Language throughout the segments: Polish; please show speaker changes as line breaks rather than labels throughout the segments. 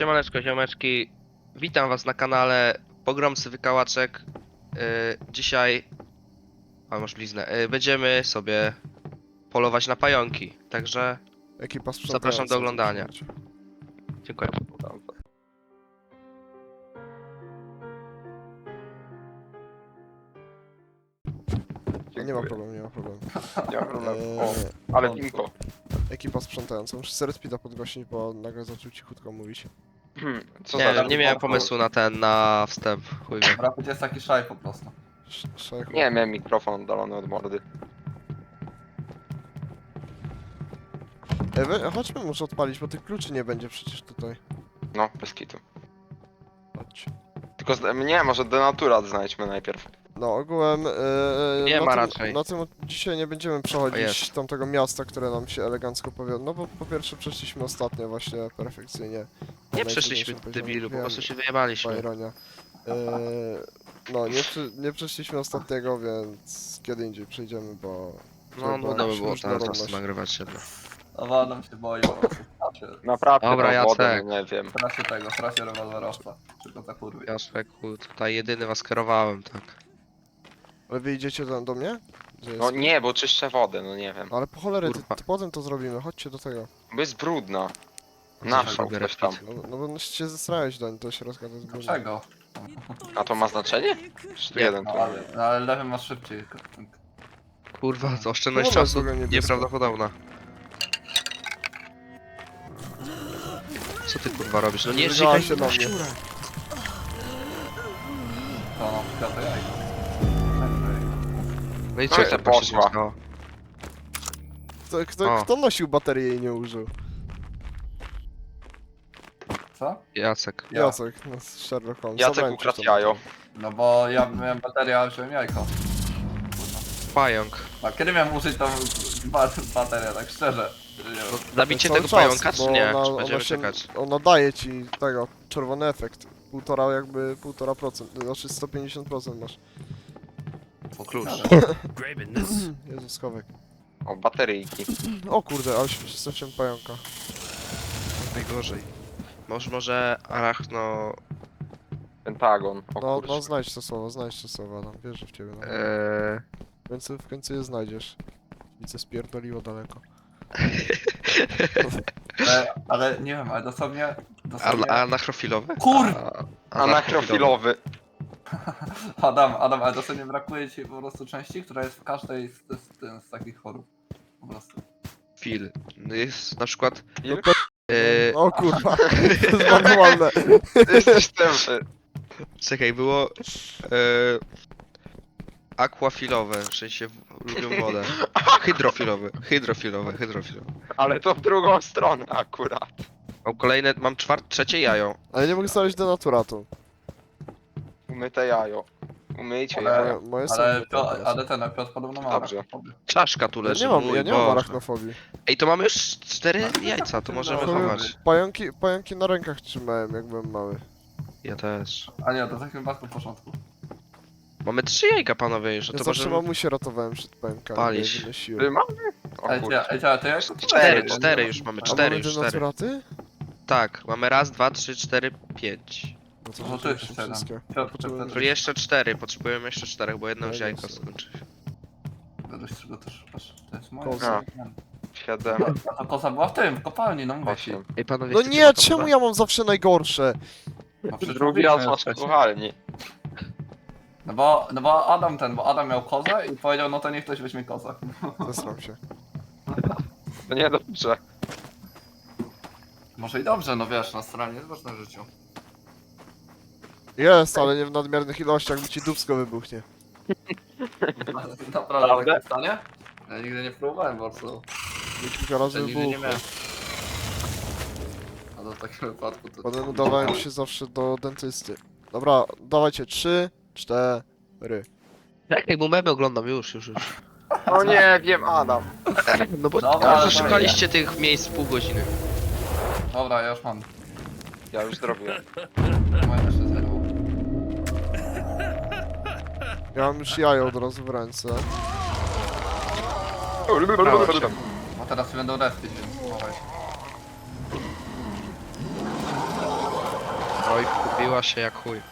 Siemaneczko, ziomeczki. Witam was na kanale Pogromcy Wykałaczek. Dzisiaj... A, masz bliznę. Będziemy sobie polować na pająki. Także
Ekipa
zapraszam do oglądania.
sprzątająca.
Dziękuję.
Nie ma problemu, nie ma problemu.
Nie ma problemu. O,
Eee,
ale info.
Ekipa sprzątająca. Muszę sobie speeda podgłośnić, bo nagle zaczął cichutko mówić.
Co
Nie,
za
nie miałem pomysłu na wstęp. Chuj wie.
Rapid jest taki szaj po prostu.
Szajku.
Nie, miałem mikrofon oddalony od mordy.
Chodźmy może odpalić, bo tych kluczy nie będzie przecież tutaj.
No, bez kitu.
Chodź.
Tylko nie, może denaturat znajdźmy najpierw.
No ogółem...
Nie
na
ma
tym,
raczej.
Na tym dzisiaj nie będziemy
O,
przechodzić
jest.
tamtego miasta, które nam się elegancko powiodło. No bo po pierwsze przeszliśmy ostatnio właśnie perfekcyjnie. Na
Nie przeszliśmy,
najtrudniejszym poziomie.
debilu, po
Wiem,
prostu się
była
wyjebaliśmy.
ironia. No nie przeszliśmy ostatniego, więc kiedy indziej przejdziemy, bo...
No, nudno by było teraz
różnorodność.
nagrywać się.
No nam się boi po prostu.
Naprawdę,
Dobra,
na wodę,
Jacek.
no nie wiem.
W trasie rewolwerowca. Tylko za kurwy.
Ja szweku, tutaj jedyny was kierowałem, tak.
Ale wy idziecie do mnie? Gdzie
No
jest?
nie, bo czyszczę wodę, no nie wiem.
Ale po cholerę,
Kurwa.
ty potem to zrobimy, chodźcie do tego.
Bo jest brudna.
Co
Naszał
się
ktoś tam.
No bo się zesrałeś do środka, to jest brudne.
Czego?
A to ma znaczenie? Czy tu
Nie.
jeden
No,
tu?
ale lewy masz szybciej.
Kurwa, to oszczędność
Kurwa,
czasu
druga niebieska.
nieprawdopodobna. Co ty kurwa robisz? No nie
Zrygała
żygaj
się na mnie.
szczura.
To na przykład to jajko.
No i
No
co
i
tak
poszła.
się stało? O.
Kto nosił baterię i nie użył?
Co?
Jacek.
Ja.
Jacek, no, Sherlock Holmes.
Jacek
Zabrałem
ukradł
ci to.
jajo.
No bo ja miałem baterię, a wziąłem jajko.
Pająk.
A kiedy miałem użyć tą baterię, tak szczerze? Nie wiem.
Zabicie
Cały
tego
czas,
pająka,
bo
czy nie?
ona-
Czy
ona
będziemy
się-
czekać?
Ona daje ci tego, czerwony efekt. 1,5%, znaczy 150% masz.
Co ty
Klucz.
gadasz?
Jezus, schowek.
O, bateryjki.
O kurde, ale się przestraszyłem pająka.
Najgorzej. Może arachno...
Pentagon. O
No,
kurczę.
znajdź to słowo, Adam, wierzę w ciebie. No. W końcu je znajdziesz. Widzę spierdoliło daleko.
Ale nie wiem, ale dosłownie...
Anachrofilowe?
Kur-
Anachrofilowy.
Adam, ale dosłownie brakuje ci po prostu części, która jest w każdej z takich chorób. Po prostu.
Fil. No jest na przykład...
Ile?
O kurwa, to jest manualne.
Ty jesteś tępy.
Czekaj, było... Aquafilowe, w sensie lubią wodę. Hydrofilowe.
Ale to w drugą stronę akurat.
Mam trzecie jajo.
Ale nie mogę znaleźć denaturatu.
Umyte jajo. Umyjcie
Ale-
jajo.
Moje są
Ale,
umyte teraz.
ale ten Piotr podobno ma
Dobrze.
arachnofobię.
Czaszka tu
Ja
leży,
nie mam,
mój
ja nie mam
Boże.
arachnofobii.
Ej, to mamy już 4 jajca, to możemy
No,
chować.
Pająki na rękach trzymałem, jak byłem mały.
Ja też.
A nie, to w takim wypadku w porządku.
Mamy 3 jajka, panowie, już, no
Ja
to
zawsze
możemy...
mamusię ratowałem przed pająkami,
Palić.
jak wynosiłem.
Ty mamy? O
Ej,
kurczę.
to ja jeszcze
Cztery już mamy,
A
cztery.
mamy denaturaty?
Tak, mamy raz, 2, 3, 4, 5.
No to
No to
rzeczywiście
jest siedem.
wszystkie.
Piotr,
Potrzebuję-
Czyli jeszcze 4, potrzebujemy jeszcze 4, bo jedno
No
już
i
jajko
jest.
skończy.
Wiesz czego też szukasz? To jest moje.
Koza.
7,
A to koza była w tym, w kopalni, no mówię ci.
8.
Ej, panowie,
No
chcecie
nie,
matowe?
czemu ja mam zawsze najgorsze?
No przecież
Drugi raz
mówiliśmy
masz
wcześniej.
kucharni.
No bo Adam miał kozę i powiedział, no to niech ktoś weźmie kozę.
Zesram się.
To niedobrze.
Może i dobrze, no wiesz, na stronie jest ważne w życiu.
Jest, ale nie w nadmiernych ilościach, bo ci dupsko wybuchnie.
Naprawdę tak stanie? Ja nigdy nie próbowałem po prostu.
Nie kilka razy
Ja nigdy nie
wybuchło.
miałem. A to w takim wypadku to...
Potem udawałem się zawsze do dentysty. Dobra, dawajcie 3, 4.
Jak mu memy oglądam, już.
No nie wiem, Adam.
No bo
Dobra, ale
może szukaliście tych miejsc pół godziny.
Dobra, ja już mam.
Ja już zrobiłem.
Moje jeszcze zerwał.
Ja mam już jajo od razu w ręce.
Bo teraz się będą respić, więc słuchaj.
Oj, kupiła się jak chuj.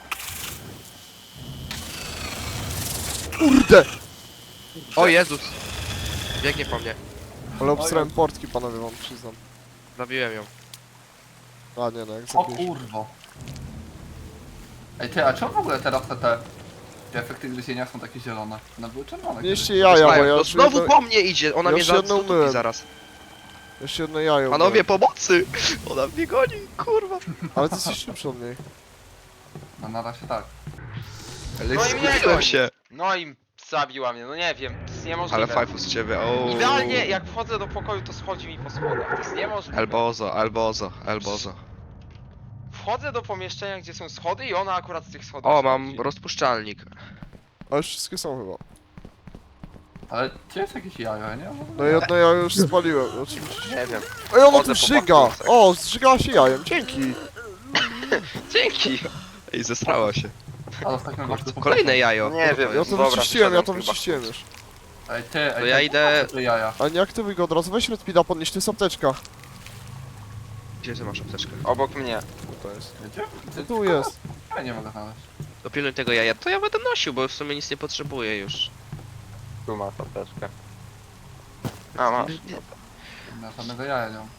Kurde!
O Jezus! Biegnie po mnie.
Ale obstrałem portki, panowie, wam przyznam.
Zabiłem ją.
A nie, no jak
O
zabiłeś.
kurwo. Ej ty, a czemu w ogóle teraz te efekty gryzienia są takie zielone? One były czerwone.
Mieście
kiedyś.
jaja, bo
Mają,
ja
to
już
znowu
jedno,
po mnie idzie, ona
ja
mnie
już jedno
zatupi
umyłem.
zaraz.
jeszcze jedno jajo.
Panowie,
umyłem.
pomocy! Ona mnie goni, kurwa.
Ale ty jesteś szybszy od niej.
No na razie tak.
Ale
No i mnie
zgubiłem
goni.
się.
No i zabiła mnie, no nie wiem, to jest niemożliwe.
Ale fajfu z ciebie, o.
Idealnie jak wchodzę do pokoju, to schodzi mi po schodach. To jest niemożliwe.
Elbozo.
Wchodzę do pomieszczenia, gdzie są schody i ona akurat z tych schodów
O,
schodzi.
mam rozpuszczalnik.
A już wszystkie są chyba.
Ale gdzie jest jakieś jajo, ja nie?
No jedno jajo już spaliłem, oczywiście.
Nie wiem.
Ej, ona
Chodzę
tu
po
żyga!
baktusach.
O, zżygała się jajem, dzięki!
Dzięki! Ej, zesrała się.
Ale w takim razie...
Kolejne jajo.
Nie wiem.
Ja to
Dobra,
wyczyściłem, ja to
wyszedłem chyba.
wyczyściłem już.
Ej ty,
To
ej
ja
ty,
idę-
te jaja.
A nie aktywuj go od razu, weź Redpida, podnieś, to jest apteczka.
Gdzie ty masz apteczkę?
Obok mnie.
To jest.
Gdzie?
No tu jest.
Ja nie mogę znaleźć.
Dopilnuj tego jaja. To ja będę nosił, bo w sumie nic nie potrzebuję już.
Tu masz apteczkę. A, masz.
Ja żadnego jaja nie mam.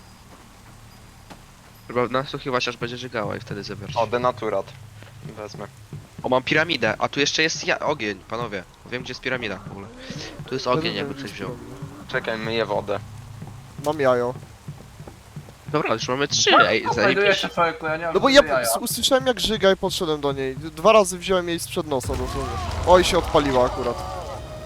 Tylko nasłuchiwać aż będzie żygała i wtedy zebiorę.
O, denaturat. Wezmę.
O, mam piramidę, a tu jeszcze jest ogień, panowie. Wiem, gdzie jest piramida w ogóle. Tu jest ogień, jakby ktoś wziął.
Czekaj, myję wodę.
Mam jajo.
Dobra, już mamy 3, ej,
Znajduję
zajebiście.
się człowieku, ja nie mam
No bo ja
żadnego jaja.
usłyszałem jak żyga i podszedłem do niej. 2 razy wziąłem jej sprzed nosa dosłownie. Oj, się odpaliła akurat.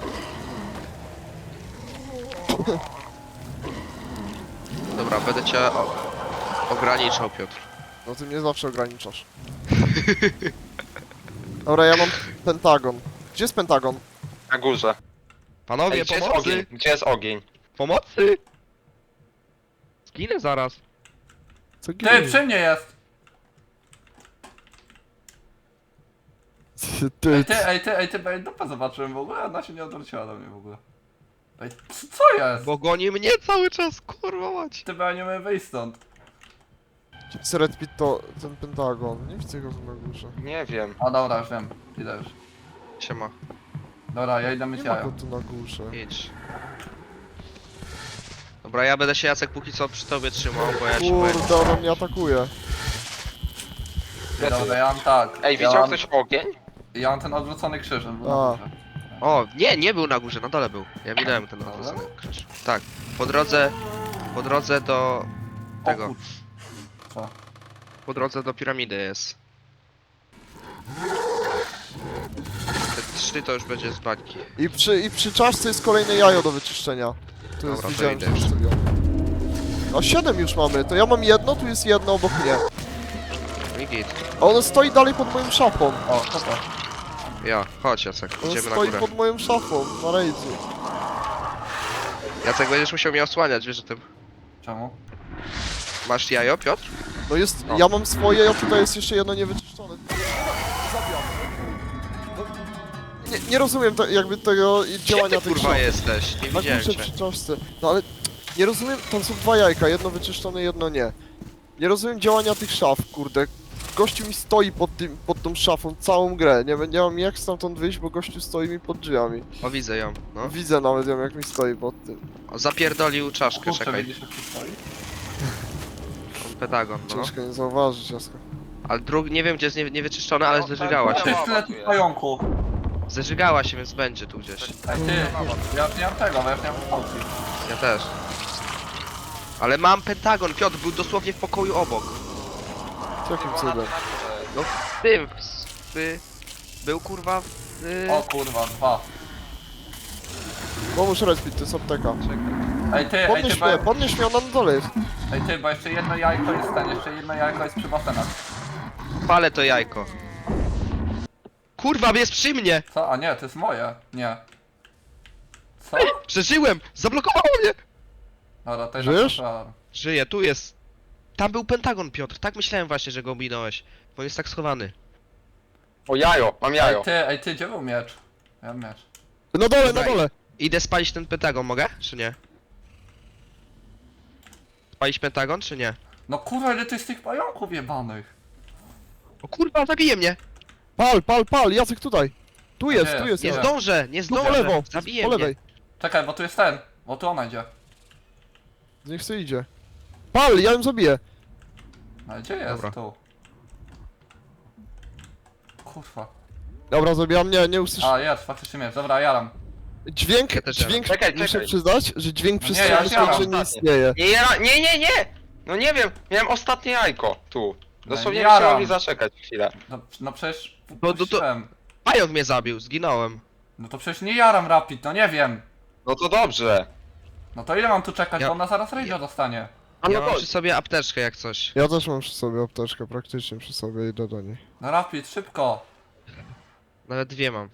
Dobra, będę cię ograniczał, Piotr.
No ty mnie zawsze ograniczasz. Dobra, ja mam pentagon. Gdzie jest pentagon?
Na górze.
Panowie,
Ej, gdzie jest ogień?
pomocy!
Gdzie jest ogień?
Pomocy! Zginę zaraz.
Co
Ty, przy mnie jest!
Ty,
Ej ty, ej, dupę zobaczyłem w ogóle, ona się nie odwróciła do mnie w ogóle. Ej, co jest?
Bo goni mnie cały czas, kurwa mać.
Ty, bo ja nie umiem wyjść stąd.
Gdzie Red Pit to ten pentagon. Nie widzę go tu na górze.
Nie wiem.
A dobra, już wiem, idę już.
Siema,
Dobra, ja idę myć
Nie ma
jajo.
go tu na górze.
idź. Dobra, ja będę się, Jacek, póki co przy tobie trzymał, bo ja ci powiem.
Kurde, on mnie atakuje.
Dobra, ja mam tak.
Ej,
ja
widział
mam,
ktoś ogień?
Ja mam ten odwrócony krzyż, on był na
A.
górze.
O, nie był na górze, na dole był. Ja minąłem ten odwrócony krzyż. Tak, po drodze do tego,
O kur... Co?
po drodze do piramidy jest. Te 3 to już będzie z bańki.
I przy czaszce jest kolejne jajo do wyczyszczenia. Tu jest,
Dobra, to
widziałem,
idę
że
już.
zostawiłem. A 7 już mamy, to ja mam jedno, tu jest jedno obok mnie.
I git.
A ono stoi dalej pod moją szafą.
O, co to?
Ja, chodź Jacek,
Ono
idziemy na
stoi
górę.
pod moją szafą, na rejdzie.
Jacek, będziesz musiał mnie osłaniać, wiesz o tym.
Czemu?
Masz jajo, Piotr?
No jest,
O.
ja mam swoje, a tutaj jest jeszcze jedno niewyczyszczone. Zabijam. No, nie rozumiem jakby tego
Gdzie
działania
ty
tych
kurwa
szaf.
jesteś? Nie
Na
widziałem
górze
cię.
przy czaszce. No ale nie rozumiem, tam są 2 jajka, jedno wyczyszczone, jedno nie. Nie rozumiem działania tych szaf, kurde. Gościu mi stoi pod tą szafą całą grę. Nie mam jak stamtąd wyjść, bo gościu stoi mi pod drzwiami.
O, widzę ją, no.
Widzę nawet ją, jak mi stoi pod tym.
O, zapierdolił czaszkę,
Kurczę,
czekaj.
widzisz jak tu stoi?
Pentagon, no.
Ciężko nie zauważyć, Jasko.
Ale nie wiem gdzie jest niewyczyszczone, ale zeżygała
Ty,
się.
tyle tych pająków.
Zeżygała się, więc będzie tu gdzieś.
Ej ty, ja już nie mam tego, bo ja już nie mam fałki.
Ja też. Ale mam pentagon, Piotr był dosłownie w pokoju obok.
Jakim cudem?
No w tym, był kurwa w...
O kurwa, 2.
Pomóż Redpit, to jest apteka.
Ej ty,
Podnieś mnie, ona na dole jest.
ej ty, bo jeszcze jedno jajko jest ten, jeszcze jedno jajko jest przy basenach.
Palę to jajko. Kurwa, jest przy mnie!
Co? A nie, to jest moje. Nie. Co?
Przeżyłem! Zablokowało mnie!
Dobra, to jest
Żyjesz?
Żyję, tu jest. Tam był pentagon, Piotr. Tak myślałem właśnie, że go minąłeś. Bo jest tak schowany.
O, jajo, mam jajo.
Ej ty, gdzie był miecz? Ja mam miecz.
Na dole,
Dobra,
na dole!
Idę spalić ten pentagon, mogę? Czy nie? Spalić pentagon, czy nie?
No kurwa, ile to jest tych pająków jebanych?
O kurwa, zabije mnie!
Pal, Jacek tutaj. Tu
Gdzie
jest,
jest?
tu jest.
Nie
Gdzie?
Jacek.
zdążę, nie
Tu
zdążę!
po lewo,
Zabije
po
mnie!
lewej.
Czekaj, bo tu jest ten. Bo tu ona idzie.
Niech sobie idzie. Pal, ja ją zabiję.
Ale gdzie jest?
Dobra.
Tu. Kurwa.
Dobra, zabijam, nie usłyszę.
A, jest, faktycznie jest. Dobra, jaram.
Dźwięk,
Ja też
dźwięk,
Czekaj,
muszę
czekaj.
przyznać, że dźwięk
No
przy
nie, ja
stronie
siadam.
że nie istnieje.
Nie! No nie wiem, miałem ostatnie jajko tu. Dosłownie
jaram.
byście mogli zaczekać chwilę.
No przecież...
to-
puściłem.
Pająk mnie zabił, zginąłem.
No to przecież nie jaram rapid, no nie wiem.
No to dobrze.
No to ile mam tu czekać,
Ja-
bo ona zaraz rage'a dostanie.
A
Ja
no
mam
to...
przy sobie apteczkę jak coś.
Ja też mam przy sobie apteczkę, praktycznie przy sobie, idę do niej.
No rapid, szybko.
Nawet dwie mam.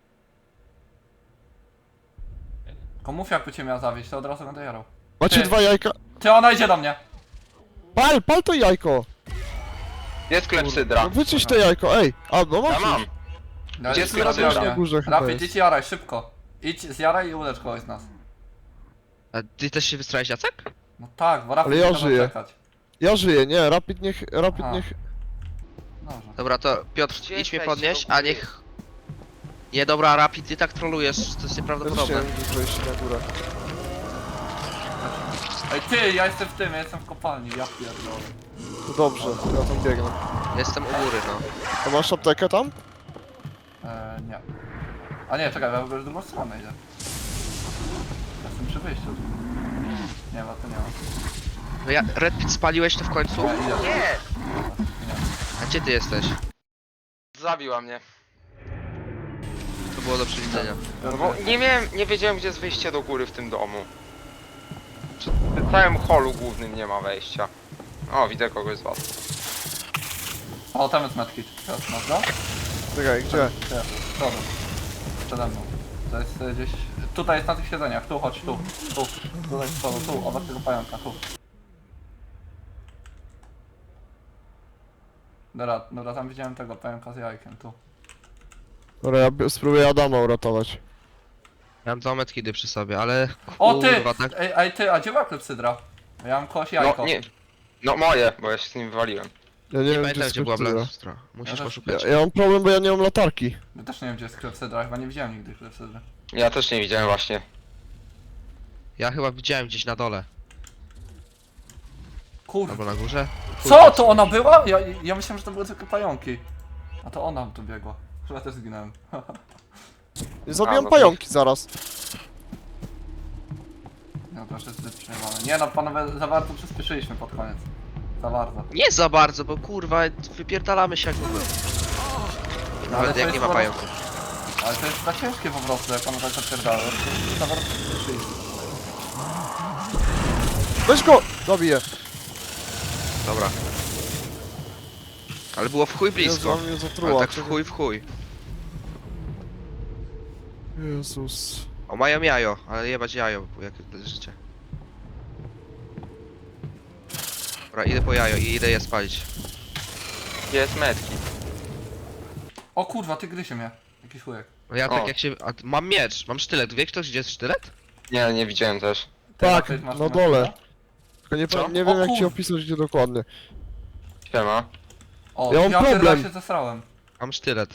Tylko mów jakby cię miała zawieść, to od razu będę jarał.
Macie
Ty.
2 jajka?
Ty, ona idzie do mnie.
Pal to jajko!
Jest klepsydra.
No wyczyść to jajko, ej! A, no
Ja
masz
mam.
już.
No,
Gdzie
jest
jest
ode
klepsydra?
mnie.
Na górze chyba
Rapid,
jest.
idź jaraj, szybko. Idź, zjaraj i ulecz kogoś z nas.
A ty też się wystrałeś, Jacek?
No tak, bo rapid
Ale ja
nie może
żyję.
czekać.
Ja żyję, nie, Rapid niech,
Aha. Dobrze.
Dobra, to Piotr,
Gdzie
idź mnie
jesteście
podnieść,
w ogóle?
a niech... Nie, dobra, Rapid, ty tak trolujesz, to jest
Też
nieprawdopodobne.
chciałem gdzieś wejść na górę.
Ej ty, ja jestem w tym, ja jestem w kopalni, ja pierdolę.
To dobrze, ja tam biegnę.
Jestem u góry, no.
A masz aptekę tam?
Nie. A nie, czekaj, ja w ogóle w drugą stronę idę. Jestem przy wyjściu. Nie ma, to nie ma.
No ja, Red Pit spaliłeś to w końcu?
Ja idę.
Nie!
A gdzie ty jesteś?
Zabiła mnie.
To było do przewidzenia.
No bo nie wiedziałem gdzie jest wyjście do góry w tym domu. W całym holu głównym nie ma wejścia. O, widzę kogoś z was.
O, tam jest medkit. Teraz masz go?
Czekaj, gdzie?
Ty, z przodu. Przede mną. To jest gdzieś... Tutaj jest na tych siedzeniach, tu chodź, tu. Tutaj z przodu, tu, obok tego pająka, tu. Dobra, tam widziałem tego pająka z jajkiem, tu.
Dobra, ja spróbuję Adama uratować.
Miałem dwa medkidy przy sobie, ale...
O ty!
Kurwa, tak...
Ej ty, a gdzie była klepsydra? Ja mam kogoś jajko.
No nie. No moje, bo ja się z nim wywaliłem.
Ja nie
Nie
wiem,
pamiętam,
gdzie
gdzie była
jest
Blackstra. Musisz
Ja też-
poszukać.
ja mam problem, bo ja nie mam latarki.
Ja też nie wiem gdzie jest klepsydra, chyba nie widziałem nigdy klepsydry.
Ja też nie widziałem właśnie.
Ja chyba widziałem gdzieś na dole.
Kurwa.
Albo na górze.
Co? To ona była? Ja myślałem, że to były tylko pająki. A to ona tu biegła. Chyba też zginąłem.
Zabijam
no to-
pająki zaraz.
No to już jest zbyt przejmowane. Nie no, panowie, za bardzo przyspieszyliśmy pod koniec. Za bardzo.
Nie za bardzo, bo kurwa, wypierdalamy się jak w ogóle. Nawet
to
jak
jest
nie ma
po
pająków.
Ale to jest za ciężkie po prostu, jak panowie tak zapierdały. Za bardzo przyspieszyliśmy.
Weź go! Zabiję.
Dobra. Ale było w chuj blisko.
Jezu, on mnie
Ale
zatruła.
tak w chuj.
Jezus.
O, mają jajo, ale jebać jajo, bo jakie to jest życie. Dobra, idę po jajo i idę je spalić.
Gdzie jest medki?
O kurwa, ty gryzie mnie. Jakiś chujek.
No ja
O.
tak jak się... A, mam miecz, mam sztylet. Wie ktoś gdzie jest sztylet?
Nie, nie widziałem też.
Ty,
Tak,
Rapid, masz
na
tu
dole.
medkita?
Tylko nie,
Co?
nie
O
wiem jak ci
kur-
opisać gdzie dokładnie.
Siema.
O,
Ja mam
pierdolę,
problem.
się zesrałem.
Mam sztylet.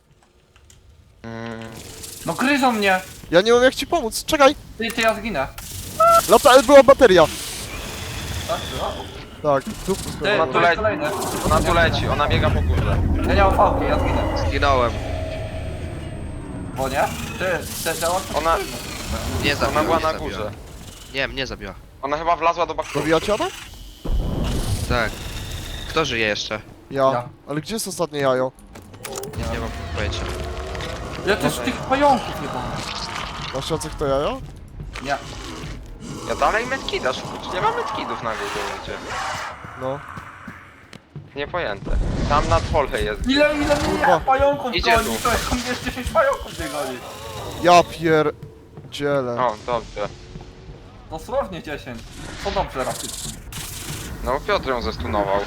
No gryzą mnie!
Ja nie mam jak ci pomóc, czekaj!
Ty, ja zginę.
Była bateria!
Tak, była?
Tak, tu
Ty,
Ona
tu
tu
jest
leci.
kolejny.
Ona tu leci, ona biega po górze.
Ja nie mam fałki, ja zginę.
Zginąłem.
Bo nie? Ty działa?
Ona,
Nie zabiła,
ona była
nie
na
zabiła.
górze.
Nie, mnie zabiła.
Ona chyba wlazła do bakterii.
Zabijacie Adam?
Tak. Kto żyje jeszcze?
Ja.
Ja.
Ale gdzie jest ostatnie jajo?
Nie mam pojęcia.
Ja też tych pająków nie mam.
Masz Jacek to jajo?
Nie.
Ja dalej medkida szukam. Nie ma medkidów na górze.
No.
Niepojęte. Tam na dole jest.
Ile mnie
Kurwa.
pająków
Idzie
goni?
tu.
To jest mnie 10 pająków nie goni.
Ja pierdzielę.
O, dobrze.
Dosłownie 10. To dobrze, Rapid.
No Piotr ją zestunował.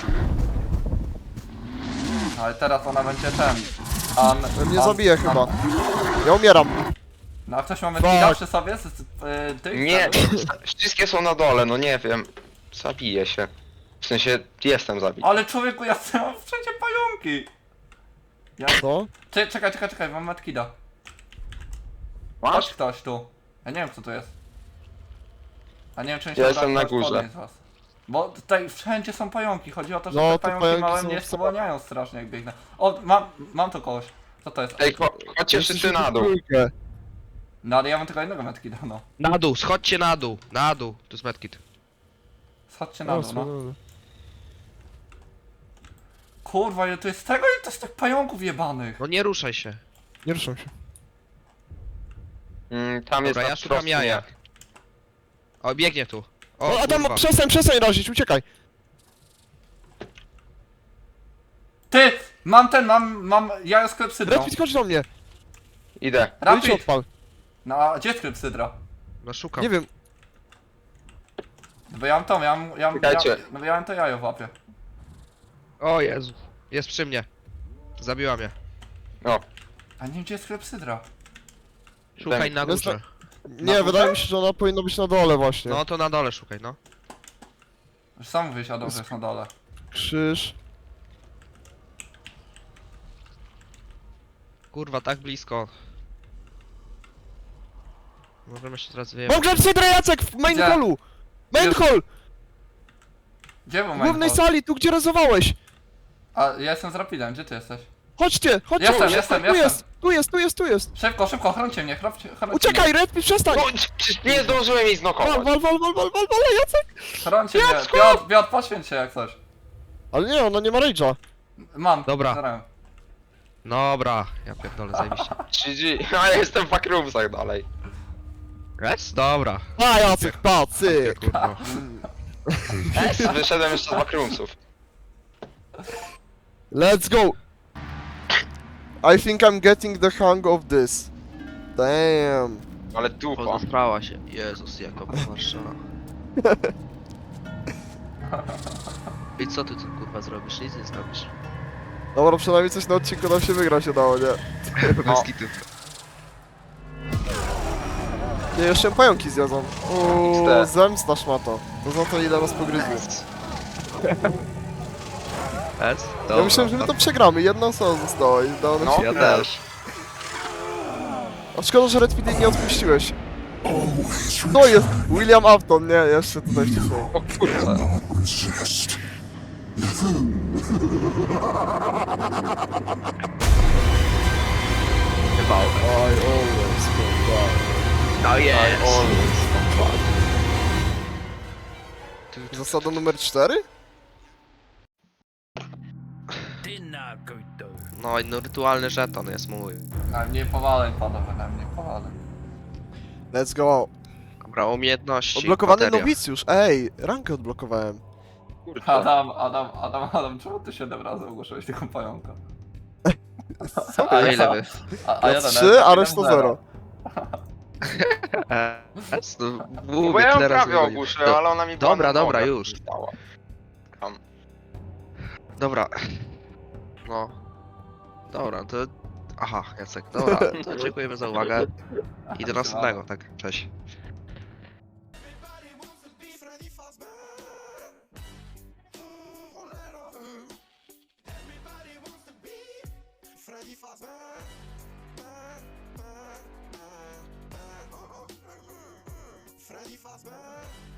Ale teraz ona będzie ten.
Mnie zabije chyba. Ja umieram.
No a ktoś mamy
Fuck.
skilla przy sobie? Tych?
Nie, wszystkie są na dole, no nie wiem. Zabiję się. W sensie, jestem zabity.
Ale człowieku, ja mam wszędzie pająki! Ja...
Co?
Czekaj, mam medkida. Chodź
Masz?
ktoś tu. Ja nie wiem kto to jest. A nie wiem czy mi się
Ja
uda
jestem na
kogoś
górze.
podnieść z was. Bo tutaj wszędzie są pająki, chodzi o to, że
No,
te
te
pająki
pająki
małe
są
mnie
w-
spowalniają strasznie jak biegnę. O, mam tu kogoś. Co to jest?
Ej, chodźcie wszyscy na dół.
Trójkę.
No ale ja mam tylko jednego medkida, no.
Na dół, schodźcie na dół, na dół. Tu jest medkit.
Schodźcie na
O,
dół, no.
słodone.
Kurwa, ile to jest tego, ile to jest tych pająków jebanych.
No nie ruszaj się.
Nie ruszam się.
Tam jest
Dobra,
na
ja szukam
wprost
jaja.
nie.
O, biegnie tu. O,
O, Adam,
kurwa.
przestań razić, uciekaj!
Ty! Mam jajo z klepsydrą.
Redfit, chodź do mnie!
Idę.
No i ci
Rapid!
odpal.
No a gdzie jest klepsydra?
No szukam.
Nie wiem,
Bo ja mam tą,
Czekajcie.
ja mam to jajo w łapie.
O Jezu. Jest przy mnie. Zabiła mnie.
O,
A nie wiem gdzie jest klepsydra.
Szukaj na
Jest
górze.
nie,
górze?
wydaje mi się, że ona powinna być na dole właśnie.
No to na dole szukaj, no.
Już sam mówiłeś, Adam, że jest na dole.
Krzyż.
Kurwa, tak blisko. Możemy się teraz wyjechać.
Mam klepsydrę, Jacek, w main
Gdzie?
hallu! Main
Gdzie?
hall!
Gdzie był
W głównej
main hall?
sali, tu gdzie rezowałeś!
A ja jestem z Rapidem, gdzie ty jesteś?
Chodźcie!
Jestem.
Tu jest!
Szybko, chroncie mnie, chroncie
Uciekaj, Redfit, przestań!
no przecież nie zdążyłem jej
Wal,
znokować.
wal, Jacek!
mnie. Chroncie mnie,
Jacku!
Piotr, poświęć się jak coś.
Ale nie, ona nie ma rage'a.
Mam,
Dobra.
zaraz.
Dobra, ja pierdolę, zajebiście.
3G. A ja jestem w backroomsach dalej.
Jest? Dobra.
A, Jacek, pacyk!
Kurwa.
Wyszedłem jeszcze z backroomsów.
Let's go! I think I'm getting the hang of this. Damn.
Ale dupa.
Pozosprała się. Jezus, jaka Warszawa. I co ty tu kurwa zrobisz? Nic nie zrobisz.
Dobra, przynajmniej coś na odcinku nam się wygrać udało, nie?
No.
Bez kitu.
Nie, jeszcze pająki zjadzą. Uuu,
XD.
zemsta szmato. To za to ile nas pogryzły.
Jest?
Ja myślałem, że my to przegramy, jedna osoba została i udało nam
No,
się.
Ja
też.
A szkoda, że Redfit jej nie odpuściłeś. To jest William Afton, nie, jeszcze tutaj wcześniej.
O kurwa.
Chyba.
I always come back.
No
I
jest.
always come back.
Zasada numer 4?
No i no, rytualny żeton jest mój.
Na mnie powaleń panowie, na mnie powaleń.
Let's go.
Dobra, umiejętności.
Odblokowany
bateria.
nowicjusz, ej, rankę odblokowałem.
Kurwa.
Adam, czemu ty 7 razy ogłosiłeś tego pająka?
A ile wy?
Ja 3, a reszta 0.
Bo ja ją prawie ogłuszyłem, ale ona mi była
Dobra,
na
dobra,
nogach
już.
stała. Tam.
Dobra. No. Dobra, to... Aha, Jacek, dobra, to dziękujemy za uwagę i do następnego, tak, cześć.
Freddy Fazbear